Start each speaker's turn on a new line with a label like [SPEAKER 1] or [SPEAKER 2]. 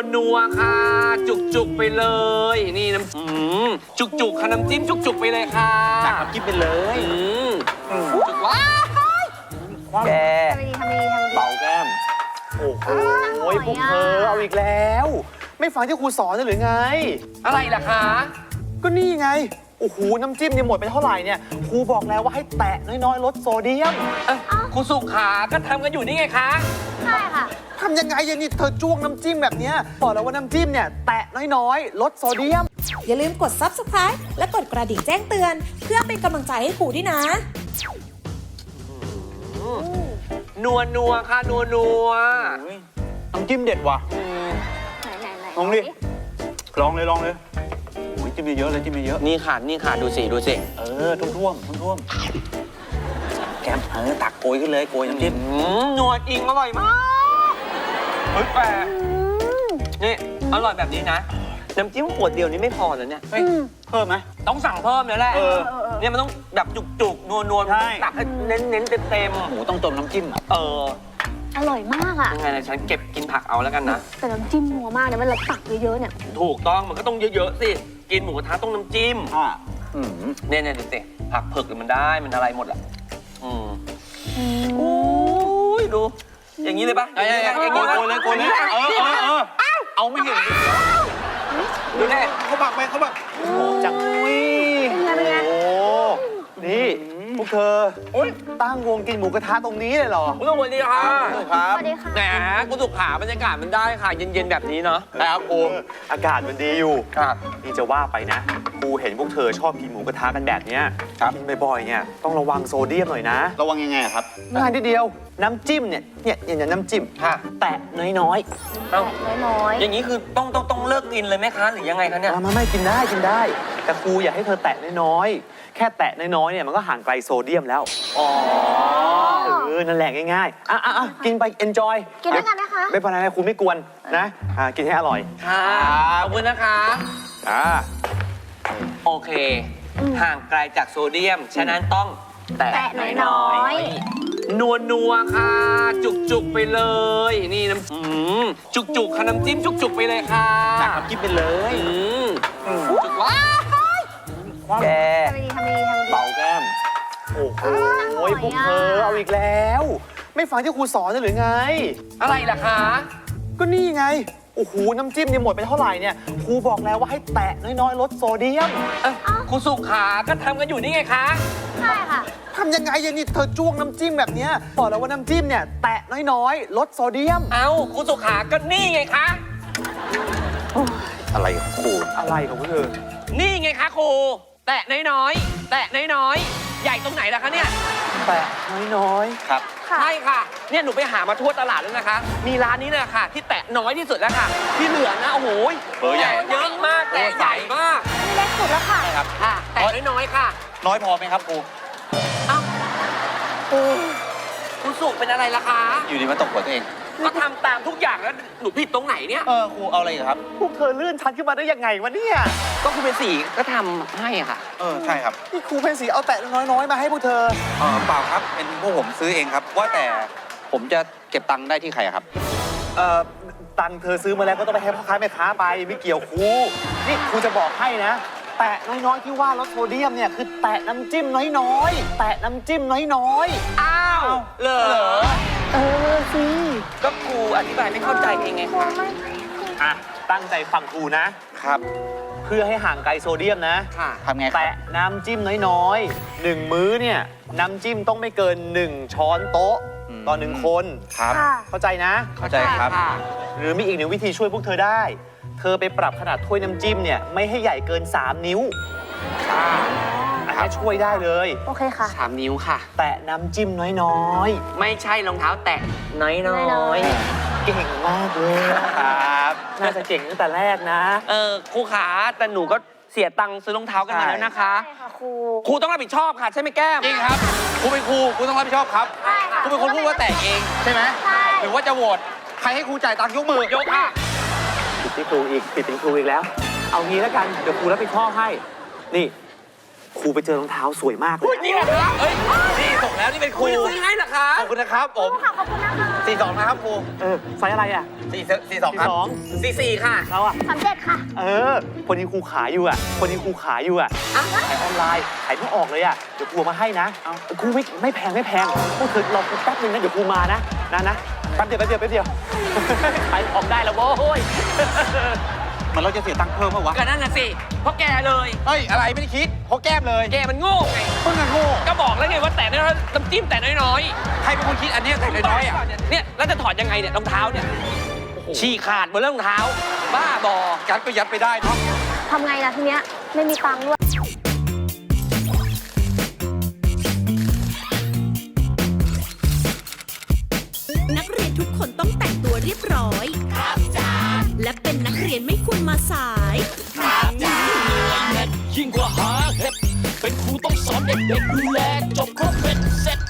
[SPEAKER 1] นัวค่ะจุกไปเลยนี่น้ำจุกค่ะน้ำจิ้มจุกไปเลยค่ะ
[SPEAKER 2] ตักน้ำจิ้มไปเลย
[SPEAKER 1] จุกว้า
[SPEAKER 2] แก
[SPEAKER 3] ทำดีทำดีทำดี
[SPEAKER 2] เป่าแก้มโอ้โหพวกเธอเอาอีกแล้ว ไม่ฟังที่ครูสอนหรือไง
[SPEAKER 1] อะไรล่ะคะ
[SPEAKER 2] ก็นี่ไงโอ้โหน้ำจิ้มเนี่ยหมดไปเท่าไหร่เนี่ยครูบอกแล้วว่าให้แตะน้อยๆลดโซเดียม
[SPEAKER 1] ครูสุขาก็ทำกันอยู่นี่ไงคะ
[SPEAKER 3] ใช่ค่ะ
[SPEAKER 2] ทำยังไงอะนี่เธอจ้วงน้ำจิ้มแบบเนี้ยบอกแล้วว่าน้ำจิ้มเนี่ยแตะน้อยๆลดโซเดียม
[SPEAKER 4] อย่าลืมกด Subscribe และกดกระดิ่งแจ้งเตือน เพื่อเป็นกำลังใจให้ครูด้วยนะ
[SPEAKER 1] นัวค่ะนัว
[SPEAKER 2] น้ำจิ้มเด็ดว่ะ
[SPEAKER 3] ไหน
[SPEAKER 2] ลองดิ ลองเลยโอ้ยจิ้มเยอะๆเลยจิ้มเยอะ
[SPEAKER 1] นี่ค่ะดูสิ
[SPEAKER 2] ท่วมแก้มตักโกยขึ้นเลยโกยน้ำจิ้ม
[SPEAKER 1] นัวจริงอร่อยมากเฮ้ยแปลนี่อร่อยแบบนี้นะน้ำจิ้มขวดเดียวนี้ไม่พอเลยเนี่ย
[SPEAKER 2] เฮ้ยเพิ่มไหม
[SPEAKER 1] ต้องสั่งเพิ่มเลยแหละเนี่ยมันต้องแบบจุกนัว
[SPEAKER 2] ใช่
[SPEAKER 1] ตักให้เน้นเต็ม
[SPEAKER 2] หมูต้องจมน้ำจิ้ม
[SPEAKER 3] อร่อยมากอ่ะ
[SPEAKER 1] ยังไงนะฉันเก็บกินผักเอาแล้วกันนะ
[SPEAKER 3] แต่น้ำจิ้มนัวมากเนี่ยเวลาตักเยอะๆเนี่ย
[SPEAKER 1] ถูกต้องมันก็ต้องเยอะๆสิกินหมูกระทะต้องน้ำจิ้ม เนี่ยดูสิผักเผือกมันได้มันอะไรหมดอ่ะโอ้ยดู อย่างนี้เลยปะอย่างนี้
[SPEAKER 2] โกยเลยเอาไม่เห็น
[SPEAKER 1] ดูแน่
[SPEAKER 2] เขาบักไปจัง
[SPEAKER 3] เป็นไง
[SPEAKER 2] โอ้นี่พวกเธอตั้งวงกินหมูกระทะตรงนี้เลยเหรอ
[SPEAKER 1] คุณสวัสดีค่ะ
[SPEAKER 2] ครับ
[SPEAKER 3] สวัสดีค่ะ
[SPEAKER 1] แหมคุณสุขาบรรยากาศมันได้ค่ะเย็นๆแบบนี้เนาะ
[SPEAKER 2] ครับครูอากาศมันดีอยู่
[SPEAKER 1] ครับ
[SPEAKER 2] นี่จะว่าไปนะครูเห็นพวกเธอชอบกินหมูกระทะกันแบบเนี้ยกินบ่อยๆเนี่ยต้องระวังโซเดียมหน่อยนะ
[SPEAKER 5] ระวังยังไงครับ
[SPEAKER 2] ง่ายทีเดียวน้ำจิ้มเนี่ยน้ำจิ้ม
[SPEAKER 1] ค่ะ
[SPEAKER 2] แตะน้อย
[SPEAKER 1] เอ้า
[SPEAKER 3] น้อย
[SPEAKER 1] อย่างนี้คือต้องเลิกกินเลยไหมคะหรือยังไงคะเนี่ย
[SPEAKER 2] ๆไม่กินได้แต่ครูอยากให้เธอแตะน้อยๆแค่แตะน้อยๆเนี่ยมันก็ห่างไกลโซเดียมแล้ว
[SPEAKER 1] อ๋อ
[SPEAKER 2] นั่นแหละง่ายๆกินไป enjoy
[SPEAKER 3] กินด้วยกันนะคะ
[SPEAKER 2] ไม่เป็นไรครูไม่กวนนะกินให้อร่อย
[SPEAKER 1] ค่ะขอบคุณนะคะ โอเค ห่างไกลจากโซเดียม ฉะนั้นต้องแตะ
[SPEAKER 3] น้อย
[SPEAKER 1] นัวค่ะจุกไปเลยนี่น้ำจุกค่ะน้ำจิ้มจุกไปเลยค่ะ
[SPEAKER 2] ตักน้ำจิ้มไปเลย
[SPEAKER 1] จุกว้า
[SPEAKER 2] แก
[SPEAKER 3] ทำดีทำดีทำดี
[SPEAKER 2] เป่าแก้มโอ้โหพวกเธอเอาอีกแล้ว ไม่ฟังที่ครูสอนหรือไง
[SPEAKER 1] อะไรล่ะคะ
[SPEAKER 2] ก็นี่ไงโอ้โหน้ำจิ้มเนี่ยหมดไปเท่าไหร่เนี่ยครูบอกแล้วว่าให้แตะน้อยๆลดโซเดียม
[SPEAKER 1] ครูสุขาก็ทำกันอยู่นี่ไงคะ
[SPEAKER 3] ใช่ค่ะ
[SPEAKER 2] ทำยังไงอะนี่เธอจ้วงน้ำจิ้มแบบเนี้ยบอกแล้วว่าน้ำจิ้มเนี่ยแตะน้อยๆลดโซเดียม
[SPEAKER 1] เอ้าครูสุขาก็นี่ไงคะ
[SPEAKER 5] อะไรของครู
[SPEAKER 2] อะไรของพวกเธอ
[SPEAKER 1] นี่ไงคะครูแตะน้อยๆใหญ่ตรงไหนล่ะคะเนี่ย
[SPEAKER 2] แตะน้อย
[SPEAKER 5] ครับ
[SPEAKER 1] ใช่ค่ะเนี่ยหนูไปหามาทั่วตลาดแล้วนะคะ มีร้านนี้นะค่ะที่แตะน้อยที่สุดแล้วค่ะ ที่เหลือนะโอ้โห
[SPEAKER 5] เบอร์ใหญ่
[SPEAKER 1] แตะเยอะมากแตะใหญ่มาก
[SPEAKER 3] นี่เล็กสุดแล้วค่ะ
[SPEAKER 5] ครับ
[SPEAKER 1] ค่ะแตะน้อยๆค่ะ
[SPEAKER 5] น้อยพอไหมครับครู
[SPEAKER 1] เอ้าครูสุเป็นอะไรล่ะคะ
[SPEAKER 5] อยู่ดีมาตกหัวตัวเอง
[SPEAKER 1] ก็ทำตามทุกอย่างแล้วหนูผิดตรงไหนเนี่ย
[SPEAKER 5] ครูเอาอะไรอีกครับ
[SPEAKER 2] พวกเธอเลื่อนชั้นขึ้นมาได้ยังไงวะเนี่ย
[SPEAKER 1] ก็คุณเป็นสีก็ทำให้ค่ะ
[SPEAKER 5] ใช่ครับ
[SPEAKER 2] นี่ครูเพนสีเอาแตะน้อยๆมาให้พวกเธอ
[SPEAKER 5] เปล่าครับ เป็นพวกผมซื้อเองครับ ว่าแต่ผมจะเก็บตังค์ได้ที่ใครครับ
[SPEAKER 2] ตังค์เธอซื้อมาแล้วก็ต้องไปให้พ่อค้าแม่ค้าไปไม่เกี่ยวครูนี่ครูจะบอกให้นะ แตะน้อยๆที่ว่าลดโซเดียมเนี่ยคือแตะน้ำจิ้มน้อยๆแตะน้ำจิ้มน้อย
[SPEAKER 1] อ้าวเหรอ
[SPEAKER 2] ๆสิ
[SPEAKER 1] ก็ครูอธิบายไม่เข้าใจเองไงคะ
[SPEAKER 2] ตั้งใจฟังครูนะ
[SPEAKER 5] ครับ
[SPEAKER 2] เพื่อให้ห่างไกลโซเดียมนะ
[SPEAKER 1] ค่ะ
[SPEAKER 5] ทำไงครับ
[SPEAKER 2] แตะน้ำจิ้มน้อยๆ1 มื้อเนี่ยน้ำจิ้มต้องไม่เกิน1 ช้อนโต๊ะต่อ1 คน
[SPEAKER 5] ครับ
[SPEAKER 3] ค่ะ
[SPEAKER 2] เข้าใจนะ
[SPEAKER 5] เข้าใจครับ
[SPEAKER 1] ค่ะ
[SPEAKER 2] หรือมีอีกหนึ่งวิธีช่วยพวกเธอได้ เธอไปปรับขนาดถ้วยน้ำจิ้มเนี่ยไม่ให้ใหญ่เกิน3 นิ้วอันนี้ช่วยได้เลย
[SPEAKER 3] โอเคค่ะ
[SPEAKER 1] 3 นิ้วค่ะ
[SPEAKER 2] แตะน้ำจิ้มน้อย
[SPEAKER 1] ไม่ใช่รองเท้าแตะน้อย
[SPEAKER 2] ๆ เก่งมากเลยครับ น่าจะเก่งตั้งแต่แรกนะ
[SPEAKER 1] ครูขาแต่หนูก็เสียตังค์ซื้อรองเท้ากันมาแล้วนะคะ
[SPEAKER 3] ใช่ค่ะครู
[SPEAKER 1] ครูต้องรับผิดชอบค่ะ ใช่ไหมแก้ม
[SPEAKER 5] จริงครับ ครูเป็นครู ครูต้องรับผิดชอบครับ
[SPEAKER 3] ใช่ค่ะ
[SPEAKER 5] ครูเป็นคนพูดว่าแต่งเองใช่ไหม
[SPEAKER 3] ใช่
[SPEAKER 5] หรือว่าจะโหวต ใครให้ครูจ่ายตังค์ยกมือ
[SPEAKER 1] ยกค่ะ
[SPEAKER 2] ผิดที่ครูอีกผิดเป็นครูอีกแล้ว เอางี้แล้วกัน เดี๋ยวครูรับผิดชอบให้ นี่ ครูไปเจอรองเท้าสวยมากเลย
[SPEAKER 1] จริงเหรอคะเฮ้ย นี่ส่งแล้วนี่เป็นครูซื้อให้เหรอคะ
[SPEAKER 5] ขอบคุณนะครับผม
[SPEAKER 3] ค่ะขอบคุณนะคะ
[SPEAKER 5] 42นะครับครู
[SPEAKER 2] ไซส์อะไรอ่ะ
[SPEAKER 5] 42ครับ
[SPEAKER 1] 44 ค่ะ
[SPEAKER 2] เราอ่ะ
[SPEAKER 3] 37 ค่ะ
[SPEAKER 2] คนนี้ครูขายอยู่อ่ะขายออนไลน์ขายไม่ออกเลยอ่ะเดี๋ยวครูมาให้นะครูไม่แพงพวกเธอรอครูแป๊บนึงนะเดี๋ยวครูมานะแป๊บเดียว ขายของได้แล้วโว้ย
[SPEAKER 5] มันเราจะเสียตังค์เพิ่มเปล่าวะ
[SPEAKER 1] ก็นั่นน่ะสิ เพราะแกเลย
[SPEAKER 5] เฮ้ย อะไรไม่ได้คิดเพราะแก้มเลย
[SPEAKER 1] แกมันโง่ไง
[SPEAKER 5] เพิ่งโง่
[SPEAKER 1] ก็บอกแล้วไงว่าแต่น้อยๆน้ำจิ้มแต่น้อย
[SPEAKER 5] ใครเป็นคนคิดอันเนี้ยแต่
[SPEAKER 1] ๆ
[SPEAKER 5] น้อยๆอ่ะ
[SPEAKER 1] เนี่ยแล้วจะถอดยังไงเนี่ยรองเท้าเนี่ยฉี่ขาดหมดแล้วรองเท้า บ้าบอ
[SPEAKER 5] ยัดก็ยัดไปได้เนาะ
[SPEAKER 3] ทำไงล่ะทีเนี้ย ไม่มีตังค์ด้วย
[SPEAKER 6] นักเรียนทุกคนต้องแต่งตัวเรียบร้อย ครับจ้าและเป็นนักเรียนไม่ควรมาสาย
[SPEAKER 7] ยิ่งกว่าหาเห็ดเป็นครูต้องสอนเด็กๆดูแลจบครบเป็นเสร็จ